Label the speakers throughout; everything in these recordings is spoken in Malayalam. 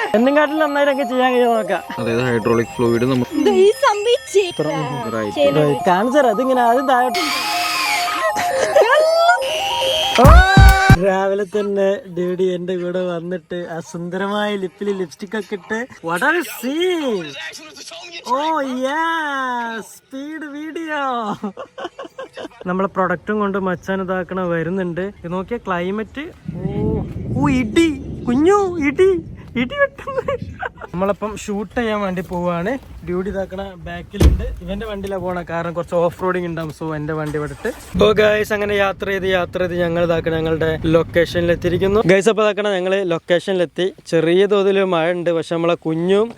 Speaker 1: എന്നെക്കാട്ടിൽ നന്നായിട്ടൊക്കെ ചെയ്യാൻ കഴിയും നോക്കാം.
Speaker 2: അതായത് ഹൈഡ്രോളിക് ഫ്ലൂയിഡ്
Speaker 1: കാണിച്ചാ അതിങ്ങനെ ആദ്യം താഴോട്ട്. രാവിലെ തന്നെ ഡ്യൂഡി എന്റെ കൂടെ വന്നിട്ട് ആ സുന്ദരമായ ലിപ്പിൽ ലിപ്സ്റ്റിക് ഒക്കെ ഇട്ട് വളരെ scene. Oh yeah speed video. നമ്മളെ പ്രൊഡക്റ്റും കൊണ്ട് മച്ചാൻ ഇതാക്കണ വരുന്നുണ്ട്. ഇത് നോക്കിയ ക്ലൈമറ്റ്. ഓ ഇടി കുഞ്ഞു ഇടി ഇടി വെട്ടുന്നു. നമ്മളിപ്പം ഷൂട്ട് ചെയ്യാൻ വേണ്ടി പോവാണ്. ഡ്യൂട്ടി ഇതാക്കണ ബാക്കിലുണ്ട്. ഇവന്റെ വണ്ടിയിലാണ് പോണ, കാരണം കുറച്ച് ഓഫ് റോഡിങ് ഉണ്ടാവും. സോ എന്റെ വണ്ടി വിട്ടിട്ട് ഓ ഗൈസ് അങ്ങനെ യാത്ര ചെയ്ത് ഞങ്ങൾ ഇതാക്കണ ഞങ്ങളുടെ ലൊക്കേഷനിൽ എത്തിയിരിക്കുന്നു. ഗൈസ് അപ്പൊ ഇതാക്കണ ഞങ്ങള് ലൊക്കേഷനിലെത്തി. ചെറിയ തോതിൽ മഴ ഉണ്ട്, പക്ഷെ നമ്മളെ കുഞ്ഞും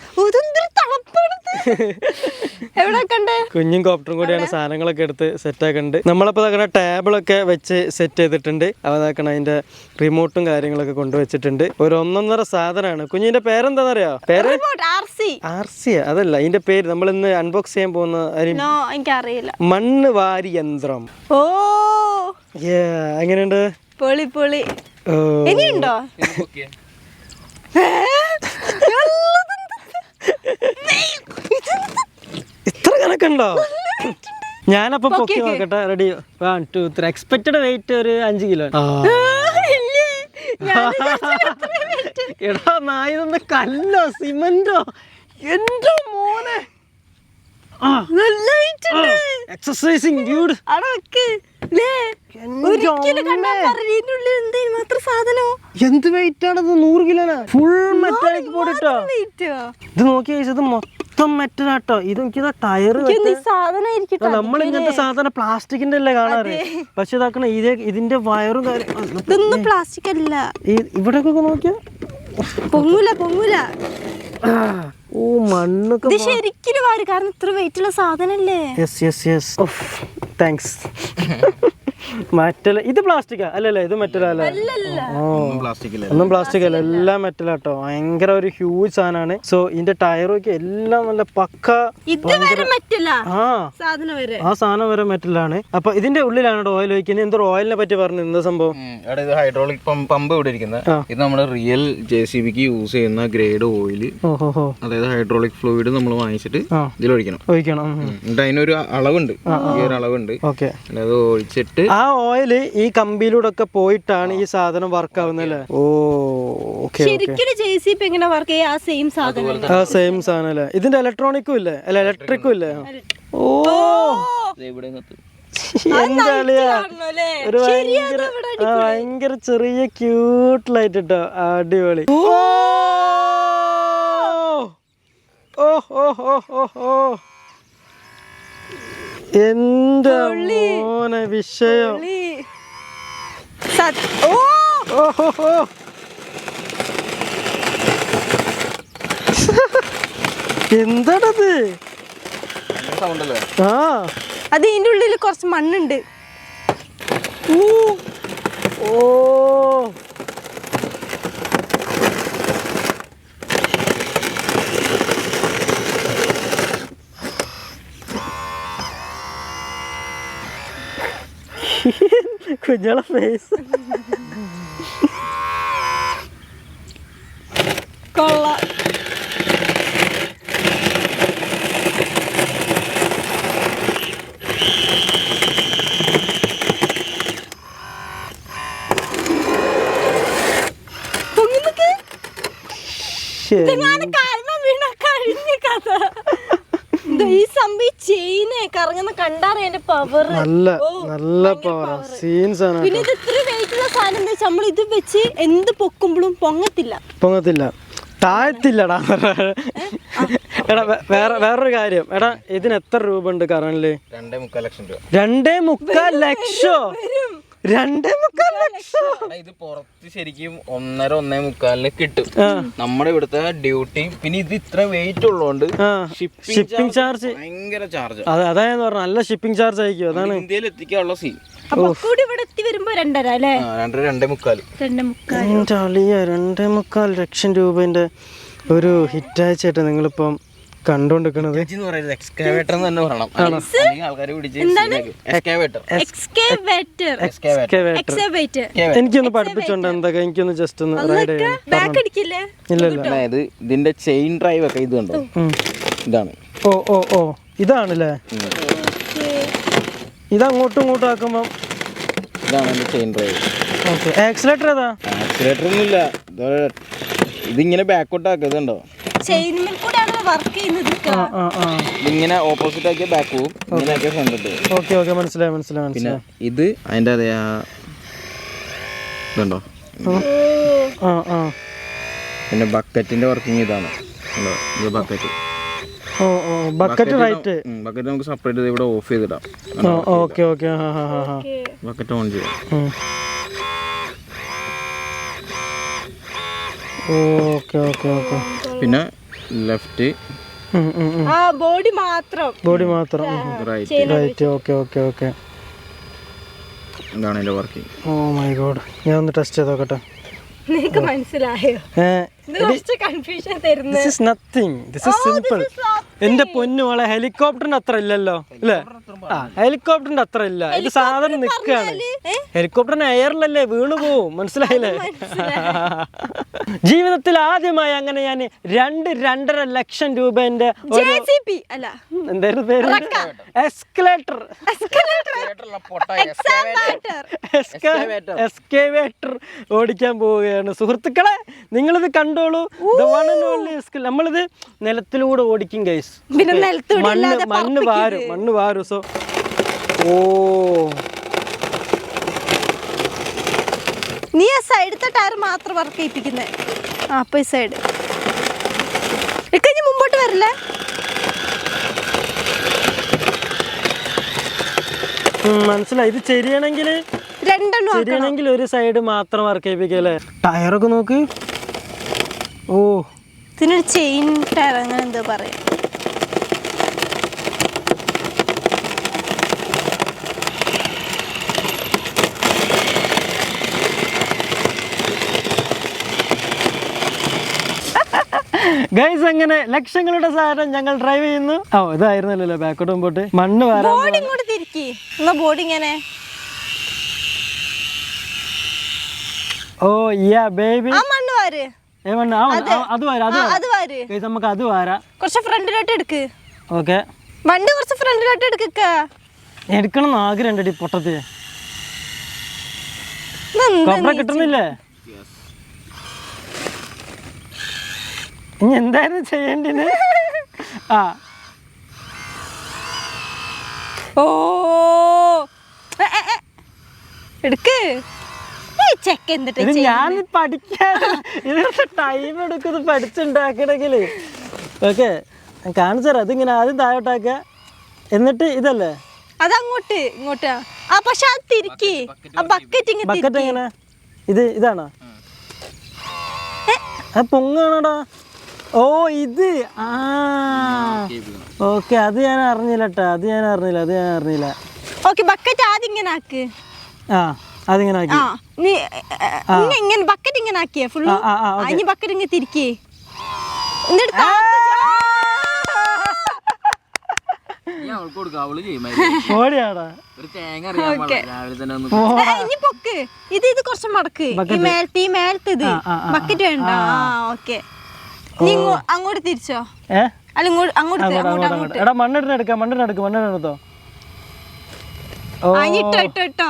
Speaker 1: കുഞ്ഞും കോപ്റ്ററും കൂടിയാണ് സാധനങ്ങളൊക്കെ എടുത്ത് സെറ്റ് ആക്കുന്നുണ്ട്. നമ്മളപ്പോ ഇതാക്കണ ടേബിളൊക്കെ വെച്ച് സെറ്റ് ചെയ്തിട്ടുണ്ട്. അവ ഇതാക്കണ അതിന്റെ റിമോട്ടും കാര്യങ്ങളൊക്കെ കൊണ്ടുവച്ചിട്ടുണ്ട്. ഒരു 1.5 സാധനമാണ്. കുഞ്ഞിന്റെ പേരെന്താന്നറിയോ? പേര് RC അതല്ല, അതിന്റെ പേര് നമ്മൾ ഇന്ന് അൺബോക്സ് ചെയ്യാൻ പോകുന്ന മണ്ണ് വാരി യന്ത്രം. ഓ എങ്ങനെയുണ്ട്?
Speaker 3: പൊളി പൊളി. ഇനിയുണ്ടോ?
Speaker 1: ഇത്ര കണക്കുണ്ടോ? ഞാനപ്പോ പൊക്കി നോക്കട്ടെ. റെഡി 1 2 3. എക്സ്പെക്റ്റഡ് വെയിറ്റ് ഒരു 5 കിലോ. എടാ നായതൊന്ന് കല്ലോ സിമന്റോ? എന്റെ മോനെ എക്സസൈസിങ് ഡ്യൂഡ്. എന്ത് വെയിറ്റ് ആണത്? 100 കിലോനാ. ഫുൾ മെറ്റാലിക് പോയിട്ടോ. ഇത് നോക്കിയ ഇത് മൊത്തം മെറ്റലാട്ടോ. ഇത് നോക്കിയതാ ടയർ. നമ്മൾ ഇങ്ങനത്തെ സാധനം പ്ലാസ്റ്റിക്കിന്റെ അല്ലേ കാണാറ്, പക്ഷെ ഇതാക്കണ ഇതിന്റെ വയറും കാര്യം
Speaker 3: പ്ലാസ്റ്റിക് അല്ല.
Speaker 1: ഇവിടെ നോക്കിയാ
Speaker 3: പൊങ്ങൂല.
Speaker 1: ഓ മണ്ണൊക്കെ
Speaker 3: ശരിക്കും വാര്, കാരണം ഇത്ര വെയിറ്റ് ഉള്ള സാധനല്ലേ.
Speaker 1: താങ്ക്സ്. മെറ്റൽ. ഇത് പ്ലാസ്റ്റിക്കാ അല്ലല്ലേ? ഇത് മെറ്റലല്ലേ? ഒന്നും പ്ലാസ്റ്റിക് അല്ല, എല്ലാം മെറ്റലാട്ടോ. ഭയങ്കര ഒരു ഹ്യൂജ് സാധനമാണ്. സോ ഇതിന്റെ ടയറൊക്കെ എല്ലാം നല്ല പക്ക. ആ സാധനം വരെ മെറ്റലാണ്. അപ്പൊ ഇതിന്റെ ഉള്ളിലാണ് ഓയിൽ ഒഴിക്കുന്നത്. എന്തോ ഓയിലിനെ പറ്റി പറഞ്ഞു. എന്താ സംഭവം?
Speaker 2: ഇത് ഹൈഡ്രോളിക് പമ്പ് ഇവിടെ ഇരിക്കുന്നത്. ഇത് നമ്മുടെ റിയൽ JCBക്ക് യൂസ് ചെയ്യുന്ന ഗ്രേഡ് ഓയിൽ. അതായത് ഹൈഡ്രോളിക് ഫ്ലൂയിഡ് നമ്മൾ വാങ്ങിച്ചിട്ട് ഇതിൽ ഒഴിക്കണം. എന്നിട്ട് അതിനൊരു അളവുണ്ട്, ഈ ഒരു അളവുണ്ട്. അത് ഒഴിച്ചിട്ട്
Speaker 1: ആ ഓയില് ഈ കമ്പിയിലൂടെ ഒക്കെ പോയിട്ടാണ് ഈ സാധനം വർക്ക് ആവുന്നല്ലേ? ഓ
Speaker 3: സെയിം
Speaker 1: സാധനം അല്ലേ? ഇതിന്റെ ഇലക്ട്രോണിക്കും ഇല്ലേ? അല്ല ഇലക്ട്രിക്കും ഇല്ലേ? ഓ ഒരു ഭയങ്കര ചെറിയ ക്യൂട്ട് ലൈറ്റ് ഇട്ടോ. അടിപൊളി. എന്റെ മോനെ വിഷയം. എന്താണത്?
Speaker 3: അത് ഇതിന്റെ ഉള്ളിൽ കുറച്ച് മണ്ണുണ്ട്.
Speaker 1: കുഞ്ഞളെ ഫേസ്
Speaker 3: കൊള്ളാം. ഈ സംഭവം ചെയിനെ കറങ്ങുന്ന കണ്ടാറേ എന്റെ പവർ.
Speaker 1: നല്ല പവർ സീൻസ് ആണ്.
Speaker 3: പിന്നെ ഇത് ഇത്ര വെയിറ്റ് ഉള്ള സാധനം എന്താ വെച്ചാൽ നമ്മൾ ഇത് വെച്ച് എന്ത് പൊക്കുമ്പോഴും പൊങ്ങത്തില്ല,
Speaker 1: താഴത്തില്ലടാ. എടാ വേറൊരു കാര്യം. എടാ ഇതിന് എത്ര രൂപ ഉണ്ട് കറണ്ടില്?
Speaker 2: 2.25 ലക്ഷം രൂപ.
Speaker 1: 2.25 ലക്ഷം? 2.25 ലക്ഷം.
Speaker 2: ഇത് പുറത്ത് ശരിക്കും 1.5 കിട്ടും. നമ്മുടെ ഇവിടുത്തെ ഡ്യൂട്ടി. പിന്നെ ഇത് ഇത്ര വെയിറ്റ് ഉള്ളതുകൊണ്ട്
Speaker 1: ഷിപ്പിംഗ് ചാർജ്
Speaker 2: ഭയങ്കര ചാർജ്.
Speaker 1: അതായത് പറഞ്ഞ നല്ല ഷിപ്പിംഗ് ചാർജ് ആയിരിക്കും. അതാണ്
Speaker 2: ഇന്ത്യയിൽ എത്തിക്കാനുള്ള സീൻ.
Speaker 1: 2.25 ലക്ഷം രൂപന്റെ ഒരു ഹിറ്റാച്ചേട്ടാ നിങ്ങളിപ്പം കണ്ടോണ്ടിരിക്കണത്.
Speaker 2: എക്സ്കാവേറ്റർ എന്ന് തന്നെ പറയണം, അല്ലെങ്കിൽ ആൾക്കാര് പിടിച്ച് എക്സ്കാവേറ്റർ.
Speaker 1: എനിക്കൊന്ന് പഠിപ്പിച്ചോണ്ട് എന്തൊക്കെ, എനിക്കൊന്ന് ജസ്റ്റ് ഒന്ന് റൈഡ് ചെയ്യാം.
Speaker 2: അതായത് ഇതിന്റെ ചെയിൻ ഡ്രൈവ് ഒക്കെ ഇത് കണ്ടോ, ഇതാണ്.
Speaker 1: ഓ ഓ ഓ ഇതാണല്ലേ, ഇത് അങ്ങോട്ടും ഇങ്ങോട്ടും ആക്കുമ്പോ
Speaker 2: ഇതാണ് എന്റെ ചെയിൻ ഡ്രൈവ്.
Speaker 1: ഓക്കെ. ആക്സിലേറ്റർ ഏതാ?
Speaker 2: ആക്സിലേറ്റർ ഒന്നുമില്ല, ഇതിങ്ങനെ ബാക്കോട്ട് ആക്കുന്നുണ്ടോ, ഇങ്ങനെ ഓപ്പോസിറ്റ് ആക്കിയ ബാക്ക് പോവും, ഇങ്ങനെ ആക്കിയ ഫ്രണ്ട് പോവും.
Speaker 1: ഓക്കെ ഓക്കെ മനസ്സിലായി മനസ്സിലായി.
Speaker 2: പിന്നെ ഇത് അതിന്റെ അതേ ഇതുണ്ടോ. പിന്നെ ബക്കറ്റിന്റെ വർക്കിംഗ് ഇതാണ്, ഇത് bucket.
Speaker 1: Oh oh bucket right.
Speaker 2: Bucket നമുക്ക് സെപ്പറേറ്റ് ചെയ്ത് ഇവിടെ ഓഫ് ചെയ്തിടാം.
Speaker 1: Okay okay.
Speaker 2: ബക്കറ്റ് ഓൺ ചെയ്യാം.
Speaker 1: Okay okay okay.
Speaker 2: പിന്നെ ലെഫ്റ്റ്
Speaker 3: ബോഡി മാത്രം
Speaker 2: റൈറ്റ്.
Speaker 1: Okay okay okay.
Speaker 2: ഇതാണ് അതിന്റെ വർക്കിംഗ്.
Speaker 1: ഓ മൈ ഗോഡ്, ഞാൻ ഒന്ന് ടെസ്റ്റ് ചെയ്ത് നോക്കട്ടെ.
Speaker 3: നിനക്ക് മനസ്സിലായോ?
Speaker 1: This is nothing. This is simple. എന്റെ പൊന്നുമോളെ, ഹെലികോപ്റ്ററിന്റെ അത്ര ഇല്ലല്ലോ അല്ലേ? ഹെലികോപ്റ്ററിന്റെ അത്ര ഇല്ല, ഇത് സാധനം നിൽക്കാണ്. ഹെലികോപ്റ്ററിന് എയറിലല്ലേ, വീണു പോവും. മനസ്സിലായില്ലേ? ജീവിതത്തിൽ ആദ്യമായി അങ്ങനെ ഞാൻ 2-2.5 ലക്ഷം രൂപന്റെ എന്തായിരുന്നു പേര്, എക്സ്കവേറ്റർ ഓടിക്കാൻ പോവുകയാണ് സുഹൃത്തുക്കളെ. നിങ്ങളിത് കണ്ടോളൂ. നമ്മളിത് നിലത്തിലൂടെ ഓടിക്കും ഗൈസ്. മണ്ണ് വാരും. സോ ഓ
Speaker 3: നീ ആ സൈഡത്തെ ടയർ മാത്രം വർക്ക് ചെയ്യിപ്പിക്കുന്നേ. അപ്പൊ ഈ സൈഡ് ഇക്കഞ്ഞ് മുമ്പോട്ട് വരില്ലേ?
Speaker 1: മനസ്സിലായി. ഇത് ശരിയാണെങ്കിൽ ഒരു സൈഡ് മാത്രം വർക്ക് ചെയ്യിപ്പിക്കല്ലേ. ടയറൊക്കെ നോക്ക്. ഓ
Speaker 3: ഇതിനൊരു ചെയിൻ ടയർ അങ്ങനെ എന്താ പറയാ.
Speaker 1: ഗൈസ്, അങ്ങനെ ലക്ഷങ്ങളുടെ സാധനം ഞങ്ങൾ ഡ്രൈവ് ചെയ്യുന്നു. ഓ ഇതായിരുന്നല്ലോ ബാക്കോട്ട് മുമ്പോട്ട്. മണ്ണ് വാരാൻ
Speaker 3: ബോഡി ഇങ്ങനെ.
Speaker 1: ഓ യാ ബേബി,
Speaker 3: മണ്ണ് വാര്.
Speaker 1: നമുക്ക് അത് വാരാ.
Speaker 3: കുറച്ച് ഫ്രണ്ടിലോട്ട് എടുക്ക്.
Speaker 1: ഓക്കെ,
Speaker 3: വണ്ടി കുറച്ച് ഫ്രണ്ടിലോട്ട് എടുക്ക.
Speaker 1: എടുക്കണം ആഗ്രഹം ഉണ്ടടി പൊട്ടത്തി. കിട്ടുന്നില്ലേ? ഇനി എന്തായിരുന്നു ചെയ്യേണ്ടത്?
Speaker 3: ഓ എടുക്ക്.
Speaker 1: ഞാൻ പഠിക്കാൻ ടൈം എടുക്കുന്നത് പഠിച്ചുണ്ടാക്കണമെങ്കിൽ. ഓക്കെ, കാണിച്ചു തരാം. അതിങ്ങനെ ആദ്യം താഴോട്ടാക്ക, എന്നിട്ട് ഇതല്ലേ
Speaker 3: അതങ്ങോട്ട് ഇങ്ങോട്ടാ. പക്ഷെ അത് തിരിക്കി.
Speaker 1: ബക്കറ്റ് എങ്ങനെ? ഇതാണോ? പൊങ്ങാണോടാ? ഓ ഇത് ഓക്കെ. അത് ഞാൻ അറിഞ്ഞില്ല കേട്ടോ. അത് ഞാൻ അറിഞ്ഞില്ല.
Speaker 3: ഓക്കെ, ബക്കറ്റ് ആദ്യം ഇങ്ങനെ ആക്ക്.
Speaker 1: അതിങ്ങനെ ആക്കി.
Speaker 3: ഇങ്ങനെ ബക്കറ്റ് ഇങ്ങനെ ആക്കിയേ ഫുള്ള്. ഇനി ബക്കറ്റ് ഇങ്ങനെ തിരിക്കേ. ഇത് കുറച്ച് മടക്ക്. ഈ മേലത്തെ ഇത് ബക്കറ്റ് വേണ്ട. ഓക്കെ, നീ അങ്ങോട്ട് തിരിച്ചോ. അല്ല അങ്ങോട്ട്.
Speaker 1: എടാ മണ്ണെടുത്തോ.
Speaker 3: ഇട്ടോ.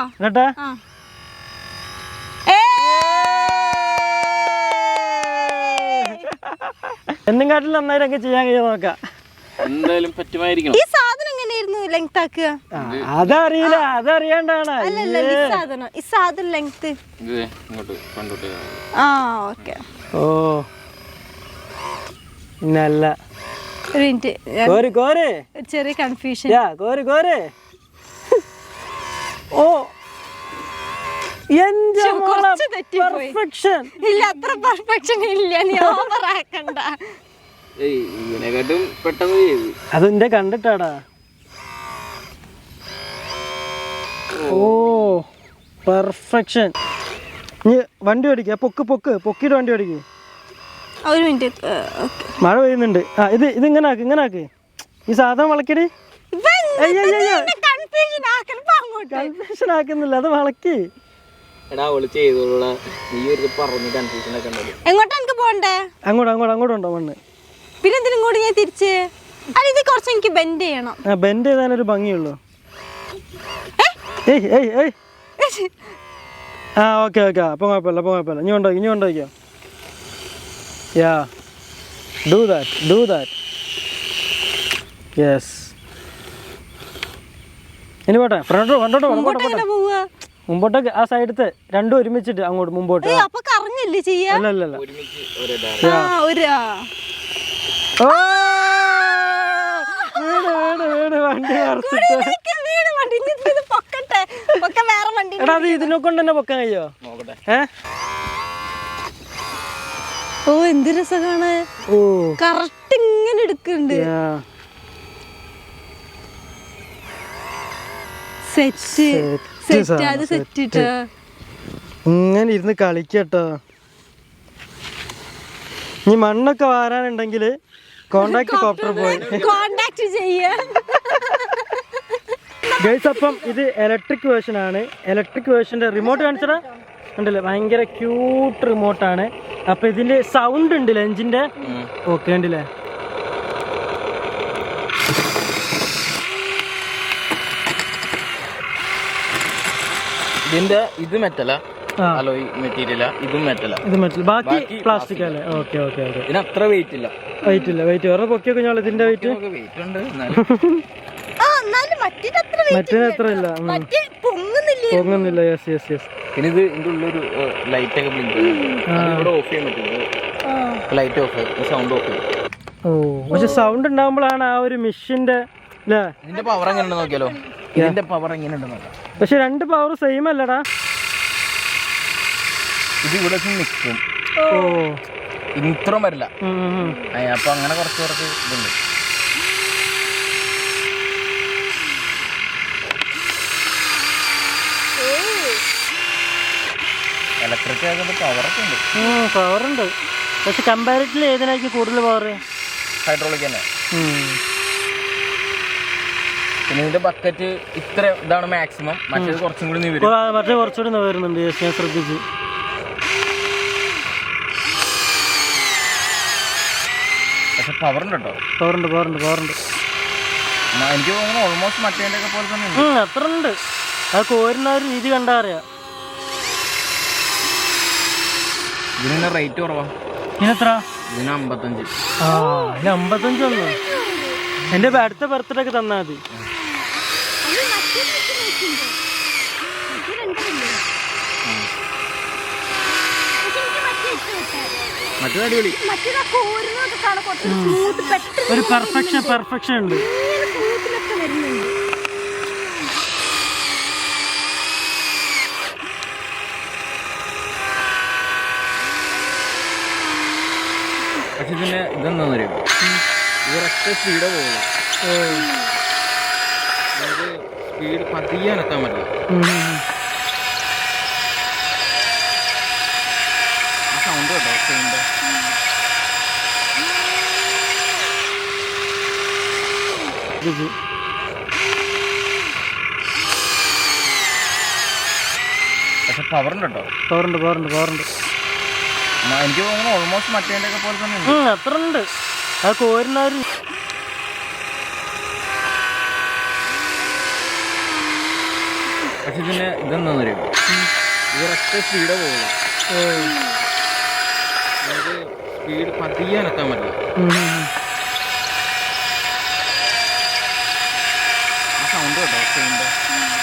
Speaker 1: എന്നും കാട്ടിൽ നന്നായിട്ടൊക്കെ ചെയ്യാൻ കഴിയാൻ നോക്കാം.
Speaker 2: എന്തായാലും പറ്റുമായിരിക്കണം.
Speaker 3: ഈ സാധനം എങ്ങനെയായിരുന്നു ലെങ്ത് ആക്കുക?
Speaker 1: അതറിയില്ല, അതറിയാണ്ടാണ്.
Speaker 3: ഈ സാധനം ലെങ്ത്. ഓക്കെ.
Speaker 1: ഓ നല്ല
Speaker 3: ഒരു മിനിറ്റ്, ചെറിയ കൺഫ്യൂഷൻ.
Speaker 1: ഓ
Speaker 3: ഇല്ല, അത്ര പെർഫെക്ഷൻ ഇല്ല. നീ ഓവറാക്കണ്ട.
Speaker 1: അതെന്റെ കണ്ടിട്ടാടാ. ഓ പെർഫെക്ഷൻ. നീ വണ്ടി ഓടിക്ക. പൊക്കിട്ട് വണ്ടി ഓടിക്ക.
Speaker 3: ഒരു മിനിറ്റ്.
Speaker 1: മഴ പെയ്യുന്നുണ്ട്. ആ ഇത് ഇങ്ങനെ ആക്ക്. ഈ സാധനം വളക്കടി. കൺഫ്യൂഷൻ ആക്കുന്നില്ല, അത് വളക്കി.
Speaker 3: എങ്ങോട്ടാ എനിക്ക് പോണ്ടേ?
Speaker 1: അങ്ങോട്ടുണ്ടോ മണ്ണ്?
Speaker 3: പിന്നെ എന്തിനും ഇങ്ങോട്ട് ഞാൻ തിരിച്ച്? അല്ല ഇത് കുറച്ച് എനിക്ക് ബെൻഡ് ചെയ്യണം.
Speaker 1: ബെൻഡ് ചെയ്താലൊരു ഭംഗിയുള്ളൂ. ആ ഓക്കെ അപ്പം കുഴപ്പമില്ല. ഇനി കൊണ്ടുപോയിക്കോ. Yeah do that. യെസ്. ഇനി പോട്ടെ, ഫ്രണ്ടോട്ട് മുമ്പോട്ടേക്ക്. ആ സൈഡത്തെ രണ്ടും ഒരുമിച്ചിട്ട് അങ്ങോട്ട് മുമ്പോട്ട്.
Speaker 3: അപ്പൊ കറങ്ങല്ലേ ചെയ്യാ?
Speaker 1: അല്ല. എടാ അത് ഇതിനെ കൊണ്ട് തന്നെ പൊക്കാൻ കഴിയോ?
Speaker 3: ഓ എന്ത് രസമാണ്. കറക്റ്റ് ഇങ്ങനെ എടുക്കുന്നുണ്ട്.
Speaker 1: ഇങ്ങനെ ഇരുന്ന് കളിക്കട്ടോ. ഇനി മണ്ണൊക്കെ വാരാനുണ്ടെങ്കിൽ കോണ്ടാക്ട് കോപ്റ്റർ പോയി
Speaker 3: കോണ്ടാക്ട് ചെയ്യാ.
Speaker 1: ഗൈസ്, അപ്പം ഇത് ഇലക്ട്രിക് വേർഷൻ ആണ്. ഇലക്ട്രിക് വേർഷന്റെ റിമോട്ട് കാണിച്ചടാ, ഉണ്ടല്ലേ? ഭയങ്കര ക്യൂട്ട് റിമോട്ടാണ്. അപ്പൊ ഇതിന്റെ സൗണ്ട് ഉണ്ടല്ലേ എഞ്ചിന്റെ? ഓക്കെ ഉണ്ടല്ലേ?
Speaker 2: ഇതിന്റെ ഇത് മെറ്റലാ, അലോയ് മെറ്റീരിയലാ. ഇതും മെറ്റലാ.
Speaker 1: ഇത് മെറ്റൽ, ബാക്കി പ്ലാസ്റ്റിക് അല്ലേ? ഓക്കെ.
Speaker 2: ഇതിന് അത്ര വെയിറ്റ് ഇല്ല.
Speaker 1: വെയിറ്റ് വേറെ പൊക്കിയൊക്കെ കഴിഞ്ഞാൽ ഇതിന്റെ വെയിറ്റ്
Speaker 2: ഉണ്ട്.
Speaker 1: മറ്റേ അത്ര ഇല്ല, പൊങ്ങുന്നില്ല. യെസ്.
Speaker 2: പിന്നെ ഇത് ഇതിന്റെ ഉള്ളൊരു ലൈറ്റ് ഒക്കെ ബ്ലിങ്ക് ഇവിടെ ഓഫ് ചെയ്യാൻ പറ്റും. ലൈറ്റ് ഓഫ്, സൗണ്ട് ഓഫ് ചെയ്യും.
Speaker 1: പക്ഷെ സൗണ്ട് ഉണ്ടാകുമ്പോഴാണ് ആ ഒരു മെഷീന്റെ അല്ലേ?
Speaker 2: ഇതിന്റെ പവർ എങ്ങനെ ഉണ്ടെന്ന് നോക്കിയാലോ? ഇതിന്റെ പവർ എങ്ങനെ ഉണ്ടെന്ന് നോക്കാം.
Speaker 1: പക്ഷെ രണ്ട് പവർ സെയിം അല്ലടാ.
Speaker 2: ഇത് ഇവിടെ നിൽക്കും, ഇത്രയും വരില്ല. അപ്പൊ അങ്ങനെ കുറച്ച് ഇതുണ്ട്. ഇലക്ട്രിക് ആകുമ്പോൾ
Speaker 1: പവറുണ്ട്. പക്ഷെ കമ്പാരിറ്റീവ്ലി ഏതിനായിരിക്കും കൂടുതൽ പവർ?
Speaker 2: ഹൈഡ്രോളിക് തന്നെ. പിന്നെ ഇതിന്റെ ബക്കറ്റ് ഇത്ര ഇതാണ് മാക്സിമം. മറ്റേത് കുറച്ചും കൂടി
Speaker 1: കുറച്ചുകൂടി വരുന്നുണ്ട്. ഞാൻ ശ്രദ്ധിച്ചു.
Speaker 2: പക്ഷെ പവറുണ്ട് കേട്ടോ.
Speaker 1: പവറുണ്ട്.
Speaker 2: എനിക്ക് തോന്നുന്നു ഓൾമോസ്റ്റ് മറ്റേന്റെ ഒക്കെ പോലെ തന്നെ
Speaker 1: അത്ര ഉണ്ട്. അത് കോരുന്ന ഒരു രീതി കണ്ടാ അറിയാം.
Speaker 2: ഇതിന് റേറ്റ് കുറവാ.
Speaker 1: ഇതിനെത്ര?
Speaker 2: ഇതിന് 55.
Speaker 1: 55 ഒന്നും. എന്റെ അടുത്ത ബർത്ത്ഡേ ഒക്കെ തന്നാ മതി.
Speaker 2: മറ്റേ അടിപൊളി.
Speaker 1: ഒരു പെർഫെക്ഷൻ ഉണ്ട്.
Speaker 2: പക്ഷെ ഇതിന് ഇതെന്താ അറിയാം, ഇതൊരൊറ്റ സ്പീഡേ പോകുള്ളൂ. നമുക്ക് സ്പീഡ് പതിയെ എത്താൻ പറ്റില്ല. ആ സൗണ്ട് കേട്ടോ സൗണ്ട്. പക്ഷെ പവറുണ്ട് കേട്ടോ.
Speaker 1: പവറുണ്ട്.
Speaker 2: എനിക്ക് തോന്നുന്നു ഓൾമോസ്റ്റ് മറ്റേന്റെ ഒക്കെ പോലെ തന്നെ
Speaker 1: അത്ര ഉണ്ട്. അത് കോരുന്ന ഒരു
Speaker 2: പക്ഷെ ഇതിന് ഇതെന്താ അറിയാം, ഇതൊരൊറ്റ സ്പീഡേ പോകുള്ളൂ. നമുക്ക് സ്പീഡ് പതിയെ എത്താൻ പറ്റില്ല. ആ സൗണ്ട് കേട്ടോ സൗണ്ട്.